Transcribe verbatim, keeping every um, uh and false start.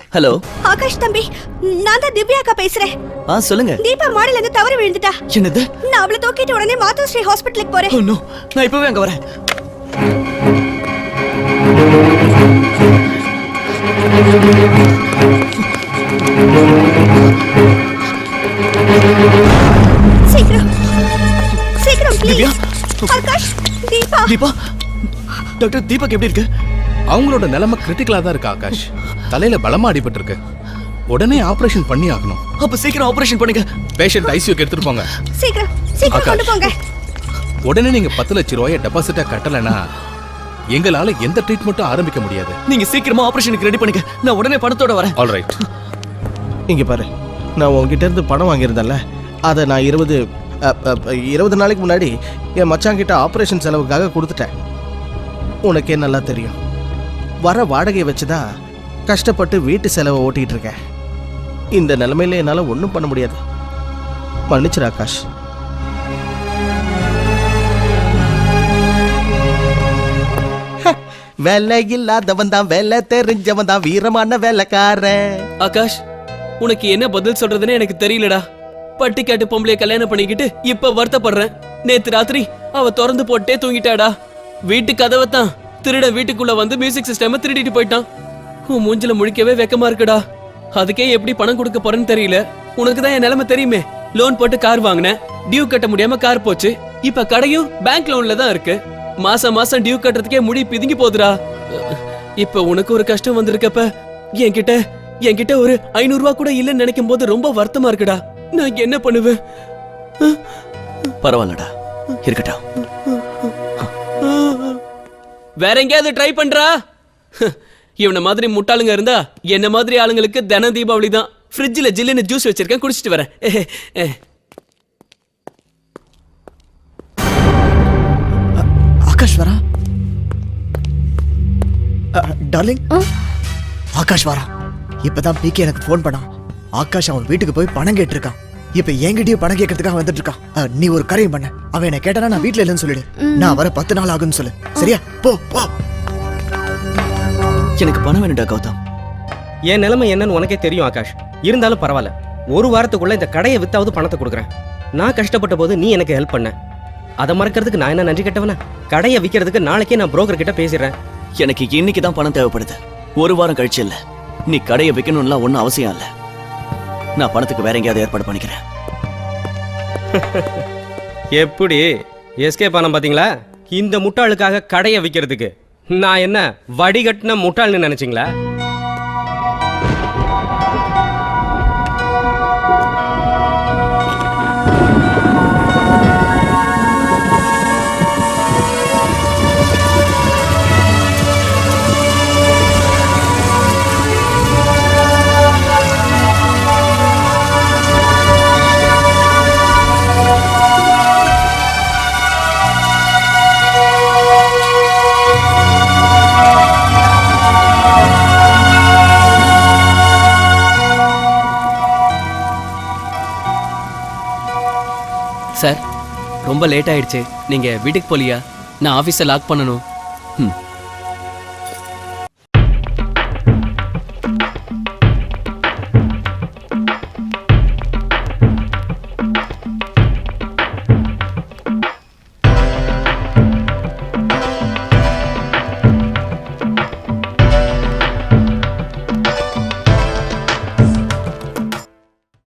Hello Akash தம்பி, நான் தான் திவ்யா அக்கா பேசுறேன். ஆ சொல்லுங்க. தீபா மாடில இருந்து தவறி விழுந்துட்டா. என்னது? நான் அவளை தூக்கிட்டு உடனே மாதோஸ்ரீ ஹாஸ்பிட்டலுக்கு போறேன். ஓ நோ, நான் இப்பவே அங்க வரேன். சீக்கிரம் சீக்கிரம் திவ்யா. ப்ளீஸ். ஆகாஷ், தீபா. தீபா, டாக்டர் தீபக் எப்படி இருக்கு? அவங்களோட நிலைமை கிரிட்டிக்கலா தான் இருக்கு ஆகாஷ். தலையில பலமா அடிபட்டு இருக்கு. உடனே ஆபரேஷன் பண்ணி ஆகணும். அப்ப சீக்கிரம் ஆபரேஷன் பண்ணுங்க. பேஷண்ட் ஐசியூக்கு எடுத்துட்டு போங்க. சீக்கிரம் சீக்கிரம் கொண்டு போங்க. உடனே நீங்க பத்து லட்சம் ரூபாயை டெபாசிட்டா கட்டலனா எங்களால எந்த ட்ரீட்மெண்ட்டும் ஆரம்பிக்க முடியாது. நீங்க சீக்கிரமா ஆபரேஷனுக்கு ரெடி பண்ணுங்க. நான் உடனே பணத்தோட வரேன். All right. இங்க பாரு, நான் உங்ககிட்ட இருந்து பணம் வாங்கியிருந்தேன்ல, அதை நான் இருபது இருபது நாளைக்கு முன்னாடி என் மச்சாங்கிட்ட ஆப்ரேஷன் செலவுக்காக கொடுத்துட்டேன். உனக்கே நல்லா தெரியும், வர வாடகையை வச்சுதான் கஷ்டப்பட்டு வீட்டு செலவை ஓட்டிகிட்டு இருக்கேன். இந்த நிலைமையில என்னால் ஒன்றும் பண்ண முடியாது. மன்னிச்சிரு ஆகாஷ். வேலை இல்லாதவன் தான் வேலை தெரிஞ்சவன் தான் வீரமான வேலைக்காரன். ஆகாஷ், உனக்கு என்ன பதில் சொல்றதுன்னு எனக்கு தெரியலடா. பட்டிக்காட்டு பொம்பளைய கல்யாணம் பண்ணிக்கிட்டு இப்ப வருத்தப்படுறேன். நேத்து ராத்திரி அவ திறந்து போட்டே தூங்கிட்டாடா. வீட்டு கதவை தான் திருட வீட்டுக்குள்ள வந்து மியூசிக் சிஸ்டம் திருடிட்டு போயிட்டான். உன் மூஞ்சில முழிக்கவே வெக்கமா இருக்குடா. அதுக்கே எப்படி பணம் கொடுக்க போறேன்னு தெரியல. உனக்கு தான் என் நிலைமை தெரியுமே. லோன் போட்டு கார் வாங்கினேன், டியூ கட்ட முடியாம கார் போச்சு. இப்ப கடையும் பேங்க் லோன்ல தான் இருக்கு. மாசம் மாசம் டியூ கட்டுறதுக்கே முடி பிதுங்கி போகுதுடா. இப்ப உனக்கு ஒரு கஷ்டம் வந்திருக்கப்ப என்கிட்ட என்கிட்ட ஒரு ஐநூறு ரூபா கூட இல்லைன்னு நினைக்கும் போது ரொம்ப வருத்தமா இருக்குடா. நான் என்ன பண்ணுவேன்? பரவாயில்லடா, இருக்கட்டும். வேற எங்கேயாவது ட்ரை பண்றா. இவன மாதிரி முட்டாளுங்க இருந்தா என்ன மாதிரி ஆளுங்களுக்கு தின தீபாவளி தான். ஃப்ரிட்ஜில் ஜில்லுன்னு ஜூஸ் வச்சிருக்கேன், குடிச்சிட்டு வரேன். ஆகாஷ் வரா. டார்லிங், ஆகாஷ் வரா. இப்பதான் பிகே எனக்கு ஃபோன் பண்ணான். ஆகாஷ் அவன் வீட்டுக்கு போய் பணம் கேட்டிருக்கான். இப்ப என்கிட்டயும் பணம் கேட்கறதுக்காக வந்துட்டு இருக்கான். நீ ஒரு காரியம் பண்ண, அவன் என்ன கேட்டானா நான் வீட்டுல இல்லைன்னு சொல்லிடு. நான் வர பத்து நாள் ஆகுன்னு சொல்லு, சரியா? போ போ. எனக்கு பணம் வேணும்டா கௌதம். என் நிலைமை என்னன்னு உனக்கே தெரியும் ஆகாஷ். இருந்தாலும் பரவாயில்ல, ஒரு வாரத்துக்குள்ள இந்த கடையை வித்தாவது பணத்தை கொடுக்குறேன். நான் கஷ்டப்பட்ட போது நீ எனக்கு ஹெல்ப் பண்ண. அதை மறக்கிறதுக்கு நான் என்ன நன்றி கட்டவனா? கடையை விற்கிறதுக்கு நாளைக்கே நான் புரோக்கர் கிட்ட பேசிடுறேன். எனக்கு இன்னைக்கு தான் பணம் தேவைப்படுது, ஒரு வாரம் கழிச்சு இல்ல. நீ கடையை விற்கணும்லாம் ஒன்றும் அவசியம் இல்லை. நான் பணத்துக்கு வேற எங்கேயாவது ஏற்பாடு பண்ணிக்கிறேன். எப்படி எஸ்கே பணம் பாத்தீங்களா? இந்த முட்டாளுக்காக கடையை விற்கிறதுக்கு நான் என்ன வடிகட்டின முட்டாள்னு நினைச்சீங்களா? சார், ரொம்ப லேட் ஆயிடுச்சு. நீங்க வீட்டுக்கு போலியா? நான் ஆபீஸை லாக் பண்ணணும். ம்